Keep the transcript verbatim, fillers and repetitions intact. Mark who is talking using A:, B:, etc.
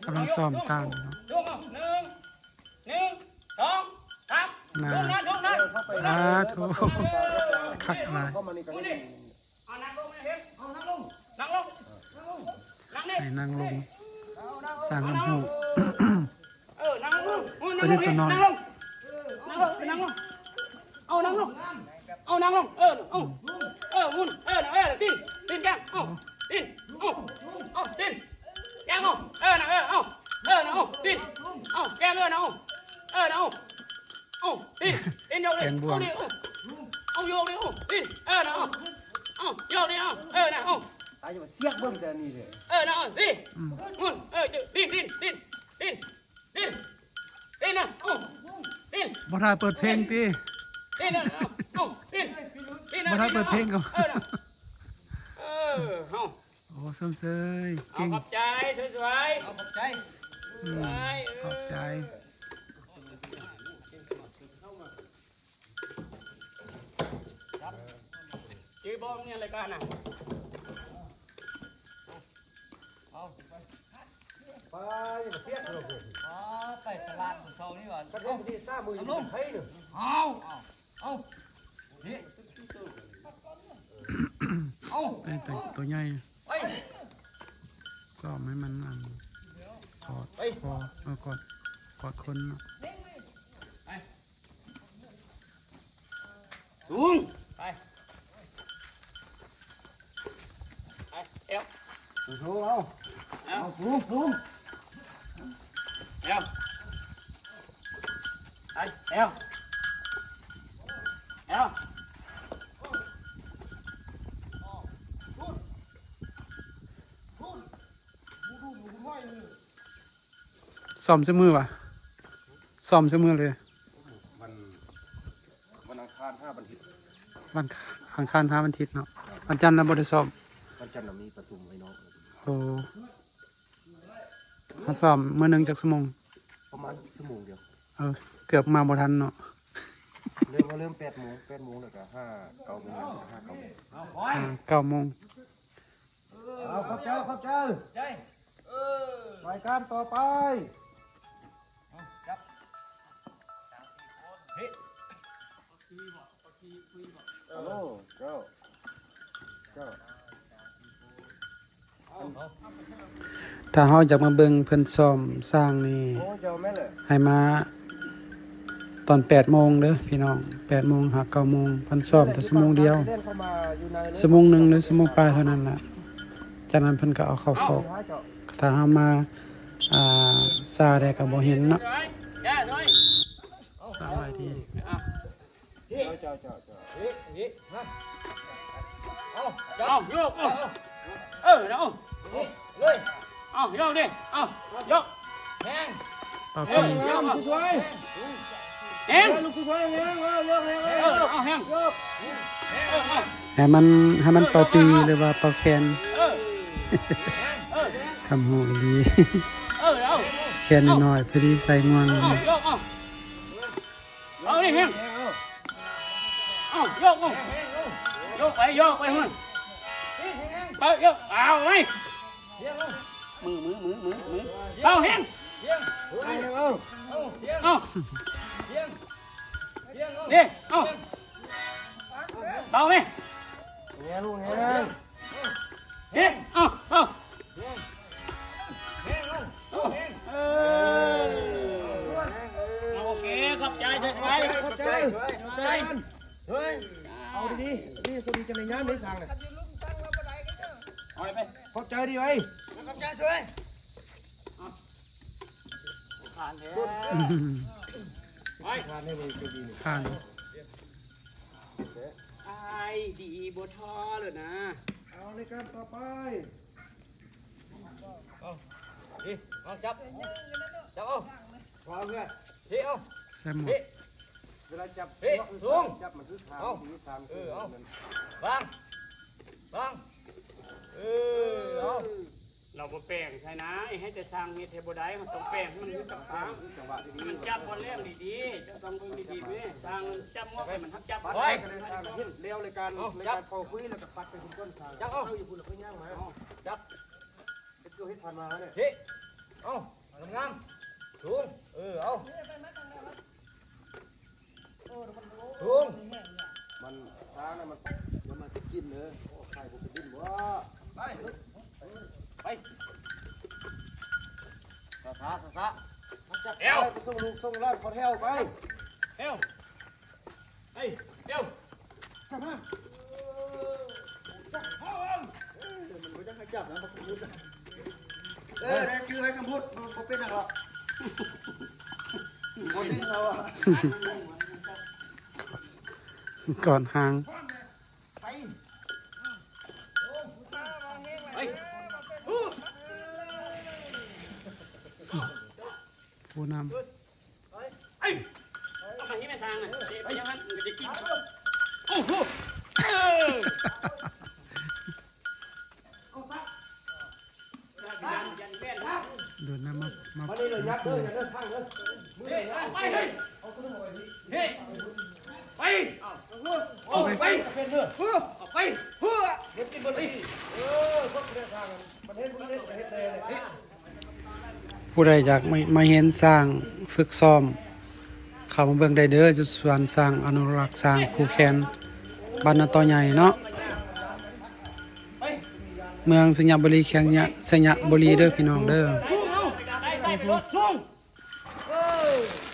A: กำลังซ้อมสร้างเนาะ
B: ลุงเอาหนึ่งหนึ่งสองสามลุงนะลุงนะ
A: สาธุคักหลาย
C: เข้ามานี่กันนี่
B: เอานั่งลงเห็นเอานั่งลงนั่งลงนั่งนี่
A: ให้นั่งลงสร้างน้ำหู
B: เออนั่งลง
A: ตัวนี้ตัวนอน
B: นั่งลงนั่งลงนั่งลงเอานั่งลงเอานั่งลงเออเอาเออมุนเออเออดิ้นดิ้นแกงเอาดิ้นเอาเอาดิ้นแกงเอาเออนะเออเอาเออนะเอาดิ้นเอาแกงเออนะเอาเออนะเอาเอาดิ้นดิ้นโยกเลยเอาดิเอาโยกเลยเอาดิ้นเออนะเอาเอาโยกเลยเอาเออนะเอา
C: ตายจะมาเสียกเบิ่งแต่นี่เลย
B: เออนะดิ้นมุนเออดิ้นดิ้นดิ้นดิ้นดิ้นดิ้นนะเอาดิ้น
A: บ่ได้เปิดเพลงติ
B: ดิ้นนะเอาเอาดิ้นดิ้นนะ
A: บ่ได้เปิดเพลงก็
B: เออนะเออเอา
A: โอ้สมเสย
B: เอา
A: เก่ง
B: ขอบใจสวยๆเอาขอบใจ
A: อืมขอบใจ
B: จีบอมเนี่ยรายการน่ะ
C: ไปมาเสียกเลย
D: อ๋อไปตลาดของเขานี่ก่อน
C: กระเทยที่ซ่ามืออยู่ไทยหนึ่ง
D: เอาเอาเอานี่เอา
A: เป็นตัวตัวใหญ่
D: ไป
A: ซ้อมให้มันอันกอดคอเออกอดกอดคนเนาะ
B: สูงไปไปเอว
C: โอ้โหเอาเอาสูงสูง
B: เอวไปเอวเอว
A: ซ้อมเสมอวะซ้อมเสมอเลย
C: วันวันอังคารห้าวันอาทิตย์
A: วันอังคารห้าวันอาทิตย์เนาะวันจันทร์เราบ่ได้ซ้อม
C: วันจันทร์เรามีประชุมไว้น้อง
A: โอ้มาซ้อมมื้อหนึงจักชั่วโมง
C: ประมาณชั่วโมงเดียว
A: เออเกือบมาบ่ทันเนาะ
C: เริ่มมาเริ่มแปดโมงแปดโมงแล้วก็ห้าเก้าโมงห้าเก้าโมง
A: อ่าเก้าโมง
C: เอาครับเจ้าครับเจ้า
D: ใจเออ
C: รายการต่อไป
D: จับเฮ้
C: ฮัลโหลเจ้าเจ้า
A: ถ้าเฮาอยากมาเบิ่งเพิ่นซ้อมสร้างนี่
C: โอ้เจ้าแม่เลย
A: ให้มาตอนแปดโมงเด้อพี่น้องแปดโมงหาเก้าโมงเพิ่นซ้อมแต่ชั่วโมงเดียว
C: เล่นเข้ามาอยู่ใน
A: ชั่วโมงหนึงหรือชั่วโมงปลายเท่านั้นล่ะจากนั้นเพิ่นก็เอาเข้าคอก
C: เจ้า
A: ถ้าเฮามาอ่าซาได้ก็บ่เห็นเนาะ
B: แย่เลย
A: สบายดี
C: เจ้าเจ้าเจ้า
D: เฮ้เฮ้ฮะเอา
B: เอาโยกเอาเออเอา
D: นี่เลย
B: เอาโยกดิเอาโยก
D: แห้ง
A: เป่า
B: เอ
A: ปี
B: อโยกเอา
C: สวย
B: เอ็ง
C: ลูกสวยเงี้ยเออเลิกเลย
B: เออเอาแห้งเออเอา
A: ให้มันให้มันเป่าปีหรือว่าเป่าแคน
B: เออเออ
A: คำหูดี
B: เออเอา
A: แคนน้อยๆพอดีใส่ง่วง
B: เอาโยกเอาเอาดิแห้งเอาโยกเอาโยกไปโยกไปมันไปโยกเอาไว้มือมือมือมือมือเอาแห้ง
C: เอา
B: เอาดิเอาเบาไหม
C: เงี้ยลูกเงี้ย
B: ดิเอาเอาเออโอเคขอบใจสบาย
C: ขอบใจ
B: สบาย
C: เฮ้ยเอาดีๆนี่สวัสดีกันในงานได้สั่งเลย
B: เอาไป
C: ขอบใจดีไว้
D: ขอบใจช่วย
B: ผ่านแล้วไป
C: ทานให้มันจะดีนี่
A: ข้าง
B: ไอ้ดีบท้อเลยนะ
C: เอาในการต่อไป
D: นี่เอาจับจับเอา
C: ขอเพื่อน
D: เฮ้เอา
A: ใส่หมวก
D: เฮ้
C: เวลาจับ
D: เฮ้ยสูง
C: จับมันคือทางที่ทาง
D: เออเอาบางบางเออเอา
B: เราบ่แป้งใช่นะให้แต่สร้างเฮ็ดเทบได้มันต้องแป้งให้มันรู้จักทาง
C: จังหวะที่ดี
B: มันจับบ่แรงดีๆจะต้องเบิ่งดีๆเว้ยสร้างจับงอกให้มันทักจับ
C: ปัด
B: ไว้
C: ไปกันในทางเห็นเลี้ยวในการในการเป่าคุยแล้วก็ปัดไปถึงต้นทาง
D: จับเอา
C: อยู่คุณแล้วก็ย่างมา
D: จับ
C: เป็นตัวให้ทันมาเนี่ย
D: เฮ้เอางามสูงเออเอาสูง
C: มันช้านะมันมันมันจะกินเลยโอ้ใครผมจะดิ้นวะ
D: ไปไป
C: ซาซาซาซา
B: เอว
C: ไปส่งลูกส่งหล้านขอแถวไป
B: เอวเฮ้ยเอว
C: เออได้ชื่อให้กำพูดมันบ่เป็นหรอกคนนี้เขาอ่ะ
A: ก่อนหาง
C: ไป
B: ไป
A: ผู้น
B: เอ้ยเอามาที่แม่สร้างอ่ะไปยังงั้นมันจะกินโอ้โหเออยันยันแม่นครับ
A: ำเดินน้ำมามา
C: มาดิเลยยักษ์เด้ออย่าเดินทางเด้อ
B: เฮ้ยไปเฮ้ยเฮ้ยไปเอาไป
C: เป็นเด้อ
B: เอาไป
C: เฮ็ดกินบ่ได้เออพวกเดินทางประเทศประเทศประเทศเลยเลย
A: ผู้ใดอยากมามาเห็นสร้างฝึกซ้อมเข้ามาเบิ่งได้เด้อจุดสวนสร้างอนุรักษ์สร้างผู้แคนบ้านนาตอใหญ่เนาะเมืองสัญญบุรีแข้งยะสัญญบุรีเด้อพี่น้องเด้อ
B: พุ่งเอาได้ใส่ไปรถพุ่งเออ